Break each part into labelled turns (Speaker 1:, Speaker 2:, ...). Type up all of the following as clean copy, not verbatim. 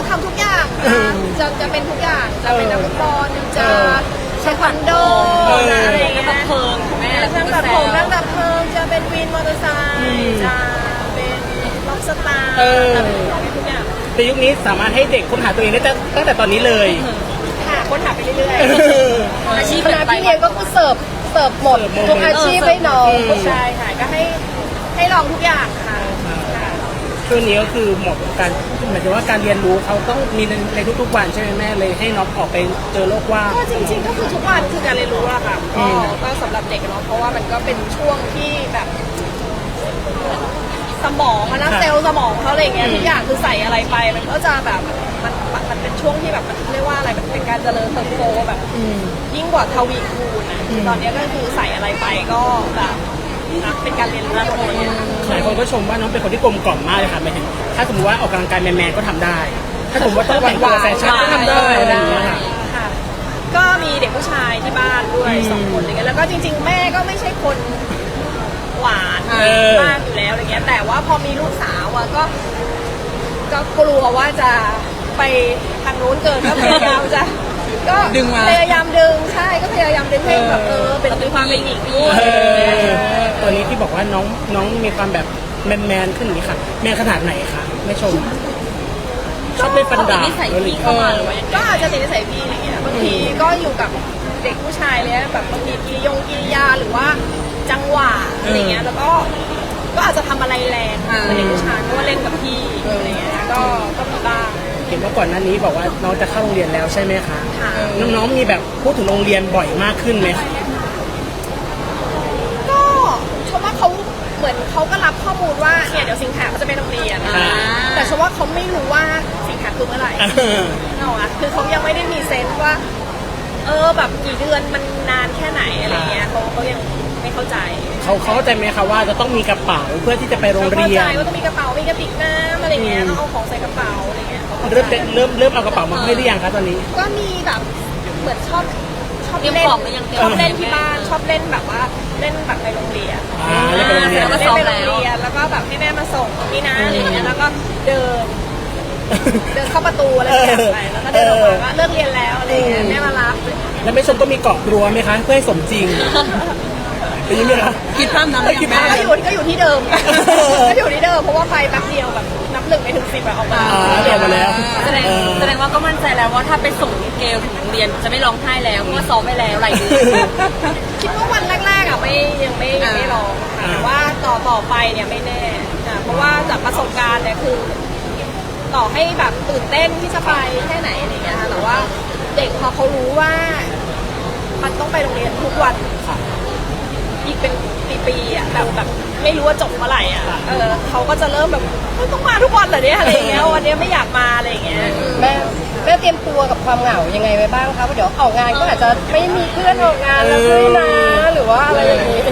Speaker 1: ทำทุกอย่างจะเป็นทุกอย่างจะเป็นนักฟุตบอลจะเทควันโดอะไรอย่างเงี้ยแม่ช่างตัดผมช่างดับเพลิงจะเป็นวินมอเตอร์ไซค์จะเป็นล็อกสตาร์จะเป็นทุกอย่าง
Speaker 2: ในยุคนี้สามารถให้เด็กค้นหาตัวเองได้ตั้งแต่ตอนนี้เลย
Speaker 1: ค่ะค้นหาไปเรื่อย
Speaker 3: ๆอาชีพคณะพี่เลี้ยงก็คือเสิร์ฟหมดทุกอาชีพให้น้อง
Speaker 1: ใช่ค่ะก็ให้ลองทุกอย่างค่ะ
Speaker 2: ช่วงนี้ก็คือเหมาะกับการหมายถึงว่าการเรียนรู้เขาต้องมีในทุกๆวันใช่ไหมแม่เลยให้น้องออกไปเจอโลกว่าง
Speaker 1: ก็จริงๆก็คือทุกวันคือการเรียนรู้อะค่ะก็สำหรับเด็กเนาะเพราะว่ามันก็เป็นช่วงที่แบบสมองนะเซลล์สมองเขาอะไรเงี้ยทุกอย่างคือใส่อะไรไปมันก็จะแบบมันเป็นช่วงที่แบบมันเรียกว่าอะไรมันเป็นการเจริญเติบโตแบบยิ่งกว่าทวีคูณนะตอนนี้ก็คือใส่อะไรไปก็แบบเป็นการเรียนรู้หมดเลย
Speaker 2: หลายคนก็ชมว่าน้องเป็นคนที่กลมกล่อมมากเลยค่ะหมายถึงถ้าสมมติว่าออกกำลังกายแมนๆก็ทำได้ถ้าสมมติว่าต้องแต่งตัวแฟชั่นก็ทำได้อะไรอย่างเงี้ย
Speaker 1: ค่ะก็มีเด็กผู้ชายที่บ้านด้วย2 คนอะไรเงี้ยแล้วก็จริงๆแม่ก็ไม่ใช่คนหวานมากอยู่แล้วอะไรเงี้ยแต่ว่าพอมีลูกสาวอะก็กลัวว่าจะไปทางนู้นเกินก็พยายามจะก็พยายามดึงใช่ก็พยายามดึงให้แบบเป็นความเป็นหญิงด้วย
Speaker 2: ตัวนี้ที่บอกว่าน้องมีความแบบแมนขึ้นนี่ค่ะแมนขนาดไหนคะไม่ชมชอบเล่นฟันดาบ
Speaker 1: นิสัยพี่เข้ามาหรือว่าก็อาจจะติดนิสัยพี่อะไรเงี้ยบางทีก็อยู่กับเด็กผู้ชายเลยแบบบางทีกิริยาหรือว่าจังหวะอะไรเงี้ยแล้วก็อาจจะทำอะไรแรงเด็กผู้ชายเพราะว่าเล่นกับพี่อะไรเงี้ยก็มีบ้าง
Speaker 2: เห็นว่าก่อนหน้านี้บอกว่าน้องจะเข้าโรงเรียนแล้วใช่ไหมคะน้องๆมีแบบพูดถึงโรงเรียนบ่อยมากขึ้นไหม
Speaker 1: ก็ชมว่าเขาเหมือนเขาก็รับข้อมูลว่าเนี่ยเดี๋ยวสิงหาเขาจะไปโรงเรียนแต่ชมว่าเขาไม่รู้ว่าสิงหาคือเมื่อไหร่เนาะคือเขายังไม่ได้มีเซนส์ว่าแบบกี่เดือนมันนานแค่ไหนอะไรเงี้ยเขายังไม่เข้าใจ
Speaker 2: เขาเข้าใจไหมคะว่าจะต้องมีกระเป๋าเพื่อที่จะไปโรงเรียน
Speaker 1: เข้าใจว่าต้องมีกระเป๋ามีกระติกน้ำอะไรเงี้ยต้องเอาของใส่กระเป๋าอะไรเงี้ย
Speaker 2: เริ่มเอากระเป๋ามาให้หรือยังคะตอนนี้
Speaker 1: ก็มีแบบเหมือนชอบเล่นที่บ้านชอบเล่นแบบว่าเล่นแบบในโรงเรียน
Speaker 2: เล่นไปโรงเรียน
Speaker 1: แล้วก็แบบให้แม่มาส่งนี่นะอะไรเงี้ยแล้วก็เดินเข้าประตูอะไรอย่างเงี้ยไปแล้วก็เดินออกมาว่าเลิกเรียนแล้วอะไรเงี้ยแม่มารับ
Speaker 2: แล้วแม่ชมก็มีเกาะกลัวไหมคะเพื่อให้สมจริงเป็นยังไงคะ
Speaker 3: คิดภาพนั้นเลย
Speaker 1: แม่ก็อยู่ที่เดิมก็อยู่ที่เดิมเพราะว่าไปแป๊บเดียวแบบนับ1ไปถึง10ออกมา
Speaker 2: แล้ว
Speaker 3: แสดงว่าก็มั่นใจแล้วว่าถ้าไปส่งเกลถึงโรงเรียนจะไม่ร้องไห้แล้วเพราะว่าซ้อมไปแล้วอะไรอย่างเงี้ย
Speaker 1: คิดว่าวันแรกๆอ่ะยังไม่ร้องแต่ว่าต่อไปเนี่ยไม่แน่เพราะว่าจากประสบการณ์เนี่ยคือต่อให้แบบตื่นเต้นที่จะไปแค่ไหนอะไรเงี้ยค่ะแต่ว่าเด็กพอเขารู้ว่ามันต้องไปโรงเรียนทุกวันอีกเป็นปีๆอ่ะแบบไม่รู้ว่าจบเมื่อไหร่อ่ะเขาก็จะเริ่มแบบต้องมาทุกวันเหรอเนี่ยอะไรเงี้ยวันนี้ไม่อยากมาอะไรเงี้ย
Speaker 3: แม่เตรียมตัวกับความเหงายังไงไว้บ้างคะเพราะเดี๋ยวออกงานก็อาจจะไม่มีเพื่อนออกงานแล้วด้วยนะหรือว่าอะไรอย่างนี้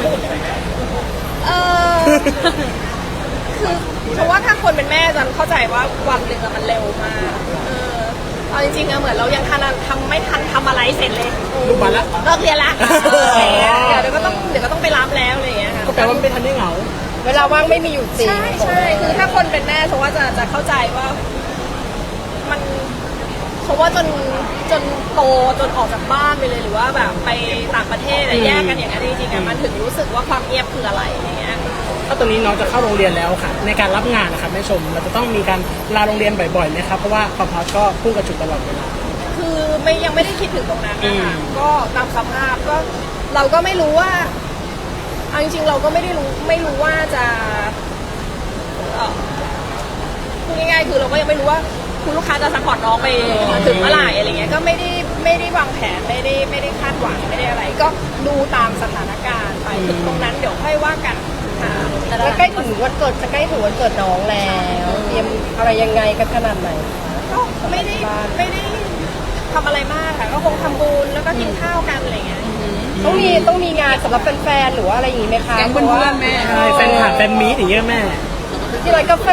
Speaker 1: คือเพราะว่าถ้าคนเป็นแม่จะเข้าใจว่าวันหนึ่งมันเร็วมากเอาจริงๆเหมือนเรายังไม่ทันทำอะไรเสร็จเลย
Speaker 2: ลูกมาแล้ว
Speaker 1: เลิกเรียนละเดี๋ยวก็ต้องไปรับแล้วอะไรอย่างเงี้ย
Speaker 2: ก็แปลว่าไม่ทันได้เหงา
Speaker 3: เวลาว่างไม่มีอยู่จริง
Speaker 1: ใช่คือถ้าคนเป็นแม่เพราะว่าจะเข้าใจว่ามันเพราะว่าจนโตจนออกจากบ้านไปเลยหรือว่าแบบไปต่างประเทศอะไรแยกกันอย่างนั้นจริงๆมันถึงรู้สึกว่าความเงียบคืออะไรอย่างเงี้ย
Speaker 2: ถ้าตอนนี้น้องจะเข้าโรงเรียนแล้วค่ะในการรับงานนะครับแม่ชมเราจะต้องมีการลาโรงเรียนบ่อยๆไหมครับเพราะว่าความฮอตก็พุ่งกระฉูดตลอดเวลา
Speaker 1: คือยังไม่ได้คิดถึงตรงนั้นนะคะก็ตามสภาพก็เราก็ไม่รู้ว่าจริงๆเราก็ไม่รู้ว่าจะพูดง่ายๆคือเราก็ยังไม่รู้ว่าคุณลูกค้าจะซัพพอร์ตน้องไปถึงเมื่อไหร่อะไรเงี้ยก็ไม่ได้วางแผนไม่ได้คาดหวังไม่ได้อะไรก็ดูตามสถานการณ์ไปถึงตรงนั้นเดี๋ยวค่อยว่ากัน
Speaker 3: แล้วใกล้ถึงวันเกิดจะใกล้ถึงวันเกิดน้องแล้วเตรียมอะไรยังไงกันขนาดไหน
Speaker 1: ก็ไม่ได้ทำอะไรมากค่ะก็คงทำบุญแล้วก็กินข้าวกันอะไรเงี้ย
Speaker 3: ต้องมีงานสำหรับแฟนๆหรือว่าอะไรอย่างงี้ไหมคะ
Speaker 2: แก๊งเพื่อนแม่ใช่แฟนคลับแฟนมีตอย่างเงี้ยแม่
Speaker 3: ที่ร้านกาแฟ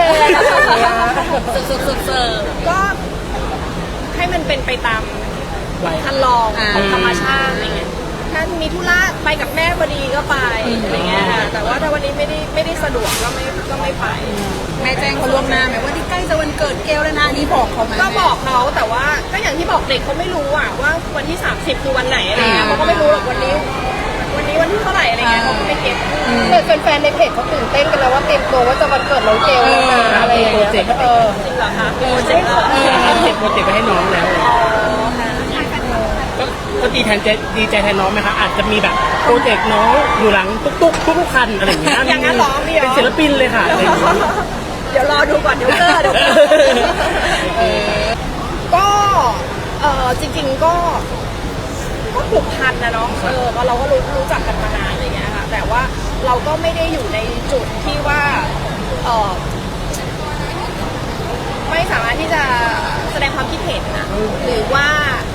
Speaker 1: สุดก็ให้มันเป็นไปตามคันลองของธรรมชาติอะไรเงี้ยถ้ามีธุระไปกับแม่พอดีก็ไปอะไรเงี้ยค่ะแต่ว่าถ้าวันนี้ไม่ได้สะดวกก็ไม่ไป
Speaker 4: แม่แจ้งเขาล่วงหน้าไหมว่าที่ใกล้จะวันเกิดเกลแล้วนะอันนี้บอกเขาไหม
Speaker 1: ก็บอกเขาแต่ว่าก็อย่างที่บอกเด็กเขาไม่รู้อะว่าวันที่ 30 คือวันไหนอะไรเงี้ยเขาก็ไม่รู้หรอกวันนี้วันที่เท่าไหร่อะไรเงี้ยเขาก็ไม่เก็ต
Speaker 3: แต่แฟนๆในเพจเขาตื่นเต้นกันแล้วว่าเตรียมตัวว่าจะวันเกิดน้องเกลแล้วนะอะไรอย่างเงี้ย
Speaker 1: จริงเหรอคะโปรเจกต์เหรอ
Speaker 2: เด็กโปรเจกต์ไปให้น้องแล้ว
Speaker 1: อ๋อค่ะ
Speaker 2: ก็ดีใจแทนน้องไหมคะอาจจะมีแบบโปรเจกต์น้องอยู่หลังตุ๊กทุกคันอะไรอย่างเงี้ย
Speaker 1: อย่างนั้นเหรอมีเหรอ
Speaker 2: เป็นศิลปินเลยค่ะอะไรอย่างเงี้ย
Speaker 1: เดี๋ยวรอดูก่อนเดี๋ยวเจอก็จริงๆก็ผูกพันนะเนาะเพราะเราก็รู้จักกันมานานอะไรเงี้ยค่ะแต่ว่าเราก็ไม่ได้อยู่ในจุดที่ว่าไม่สามารถที่จะแสดงความคิดเห็นนะหรือว่า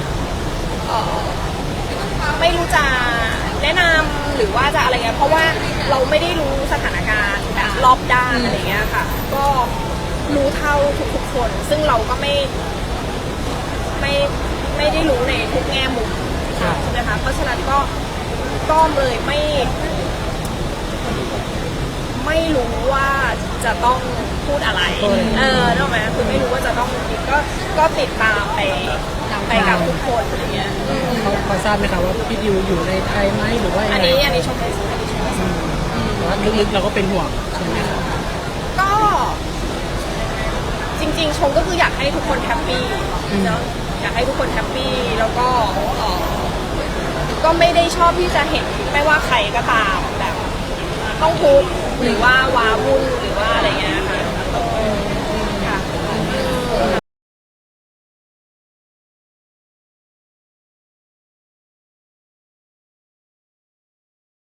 Speaker 1: ไม่รู้จะแนะนำหรือว่าจะอะไรเงี้ยเพราะว่าเราไม่ได้รู้สถานการณ์แบบรอบด้านอะไรเงี้ยค่ะก็รู้เท่าทุกๆคนซึ่งเราก็ไม่ได้รู้ในทุกแง่มุมใช่ไหมคะเพราะฉะนั้นก็เลยไม่รู้ว่าจะต้องพูดอะไรนึกออกไหมคือไม่รู้ว่าจะต้องก็ติดตามไปกับทุกคนอะไรเงี้ย
Speaker 2: เขาทราบไหมคะว่าพี่ดิวอยู่ในไทยไหมหรือว่ายัง
Speaker 1: อัน
Speaker 2: ไง
Speaker 1: นี้ชมไม่ทราบ
Speaker 2: แต่ว่าลึกๆเราก็เป็นห่วงใช่ไหมคะ
Speaker 1: ก็จริงๆชมก็คืออยากให้ทุกคนแฮปปี้เนาะอยากให้ทุกคนแฮปปี้แล้วก็ก็ไม่ได้ชอบที่จะเห็นไม่ว่าใครก็ตามแบบต้องทุกข์หรือว่าว้าวุ่นหรือว่าอะไรเงี้ย